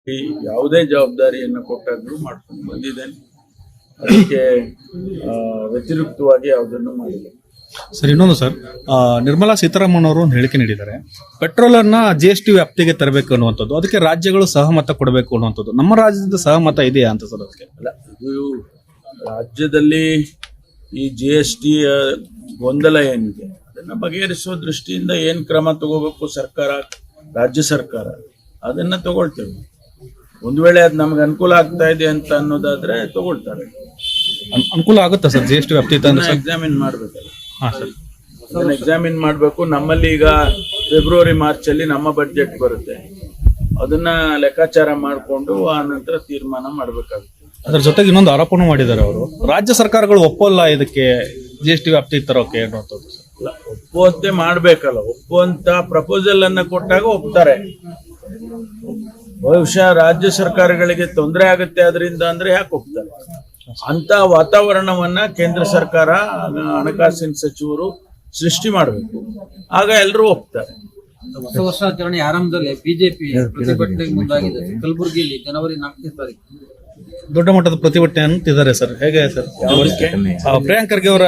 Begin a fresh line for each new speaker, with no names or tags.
ಯಾವುದೇ ಜವಾಬ್ದಾರಿಯನ್ನು ಕೊಟ್ಟಾಗ್ಲೂ ಮಾಡ್ಕೊಂಡು ಬಂದಿದ್ದೇನೆ. ಅದಕ್ಕೆ ವ್ಯತಿರಿಕ್ತವಾಗಿ ಯಾವುದನ್ನು ಮಾಡಿಲ್ಲ.
ಸರ್, ಇನ್ನೊಂದು ಸರ್, ನಿರ್ಮಲಾ ಸೀತಾರಾಮನ್ ಅವರು ಒಂದು ಹೇಳಿಕೆ ನೀಡಿದ್ದಾರೆ. ಪೆಟ್ರೋಲ್ ಅನ್ನ GST ವ್ಯಾಪ್ತಿಗೆ ತರಬೇಕು ಅನ್ನುವಂಥದ್ದು, ಅದಕ್ಕೆ ರಾಜ್ಯಗಳು ಸಹಮತ ಕೊಡಬೇಕು ಅನ್ನುವಂಥದ್ದು. ನಮ್ಮ ರಾಜ್ಯದ ಸಹಮತ ಇದೆಯಾ ಅಂತ ಸರ್? ಅದಕ್ಕೆ
ಅಲ್ಲ, ಇದು ರಾಜ್ಯದಲ್ಲಿ ಈ GST ಗೊಂದಲ ಏನಿದೆ ಅದನ್ನ ಬಗೆಹರಿಸುವ ದೃಷ್ಟಿಯಿಂದ ಏನ್ ಕ್ರಮ ತಗೋಬೇಕು ಸರ್ಕಾರ, ರಾಜ್ಯ ಸರ್ಕಾರ ಅದನ್ನ ತಗೊಳ್ತೇವೆ. ಒಂದು ವೇಳೆ ಅದು ನಮ್ಗೆ ಅನುಕೂಲ ಆಗ್ತಾ ಇದೆ ಅಂತ ಅನ್ನೋದಾದ್ರೆ ತಗೊಳ್ತಾರೆ.
ಅನುಕೂಲ ಆಗುತ್ತಾ ಸರ್ GST ವ್ಯಾಪ್ತಿ
ಎಕ್ಸಾಮಿನ್ ಮಾಡ್ಬೇಕಲ್ಲ.
ಹಾ ಸರ್,
ಅದನ್ನ ಎಕ್ಸಾಮಿನ್ ಮಾಡಬೇಕು. ನಮ್ಮಲ್ಲಿ ಈಗ ಫೆಬ್ರವರಿ ಮಾರ್ಚ್ ಅಲ್ಲಿ ನಮ್ಮ ಬಡ್ಜೆಟ್ ಬರುತ್ತೆ, ಅದನ್ನ ಲೆಕ್ಕಾಚಾರ ಮಾಡಿಕೊಂಡು ಆ ನಂತರ ತೀರ್ಮಾನ ಮಾಡಬೇಕಾಗುತ್ತೆ.
ಅದ್ರ ಜೊತೆಗೆ ಇನ್ನೊಂದು ಆರೋಪನೂ ಮಾಡಿದ್ದಾರೆ ಅವರು, ರಾಜ್ಯ ಸರ್ಕಾರಗಳು ಒಪ್ಪಲ್ಲ ಇದಕ್ಕೆ GST ವ್ಯಾಪ್ತಿ ತರೋಕೆ ಅನ್ನುವಂಥದ್ದು.
ಅಲ್ಲ, ಒಪ್ಪುವಂತೆ ಮಾಡ್ಬೇಕಲ್ಲ. ಒಪ್ಪುವಂತ ಪ್ರಪೋಸಲ್ ಅನ್ನ ಕೊಟ್ಟಾಗ ಒಪ್ತಾರೆ. ಬಹುಶಃ ರಾಜ್ಯ ಸರ್ಕಾರಗಳಿಗೆ ತೊಂದರೆ ಆಗುತ್ತೆ ಅದರಿಂದ ಅಂದ್ರೆ ಯಾಕೆ ಒಪ್ತಾರೆ? ಅಂತ ವಾತಾವರಣವನ್ನ ಕೇಂದ್ರ ಸರ್ಕಾರ, ಹಣಕಾಸಿನ ಸಚಿವರು ಸೃಷ್ಟಿ ಮಾಡಬೇಕು. ಆಗ ಎಲ್ಲರೂ ಒಪ್ತಾರೆ.
ಹೊಸ ವರ್ಷಾಚರಣೆ ಆರಂಭದಲ್ಲಿ ಬಿಜೆಪಿ ಪ್ರತಿಭಟನೆಗೆ ಮುಂದಾಗಿದೆ. ಕಲಬುರಗಿಯಲ್ಲಿ ಜನವರಿ 4ನೇ ತಾರೀಕು
ದೊಡ್ಡ ಮಟ್ಟದ ಪ್ರತಿಭಟನೆ ಅಂತಿದ್ದಾರೆ ಸರ್. ಹೇಗೆ ಸರ್? ಪ್ರಿಯಾಂಕ್ ಖರ್ಗೆ ಅವರ